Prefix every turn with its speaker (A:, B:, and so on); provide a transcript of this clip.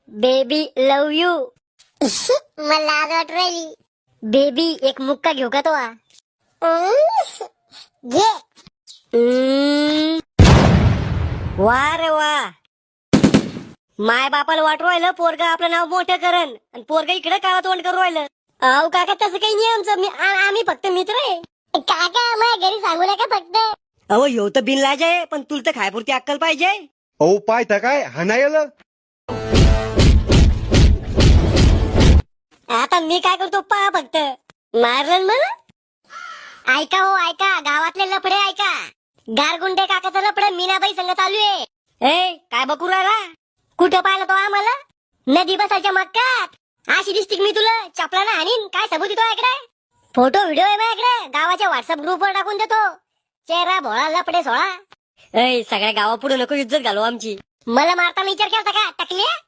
A: Baby love you.
B: मला लाज वाटू राहिली.
A: बेबी एक मुक्का घेऊ का तो?
B: घे.
A: वा रे वा. माय बापाला वाटू राहिलं पोरग आपलं नाव मोठं करन आणि पोरग इकडे काळा तोंड करू राहिलं. अहो काका तसं काही नाही आमचं. आम्ही फक्त मित्र आहे.
B: काका माझ्या घरी सांगू नका फक्त.
A: अहो ह्यो तर बिनलाज आहे पण तुला तर खायपुरती अक्कल पाहिजे.
C: अहो पायथा काय हाणायला.
A: आता मी काय करतो पहा फक्त. मारलं मला. ऐका हो ऐका, गावातले लफडे ऐका. गारगुंडे काकाचं लफडं मीनाबाई संग चालू आहे. ए काय बकू राहिला? कुठं पाहिलं तो आम्हाला? नदी बसायच्या मक्कात. अशी दिसती मी तुला चपलानं हाणीन. काय सबूत येतो इकडे? फोटो व्हिडिओ आहे माझ्याकडे. गावाच्या व्हॉट्सअप ग्रुपवर टाकून देतो. चेहरा भोळा लफडे सोळा. ए सगळ्या गावापुढे नको इज्जत घालू आमची. मला मारताना विचार केला का टाकले?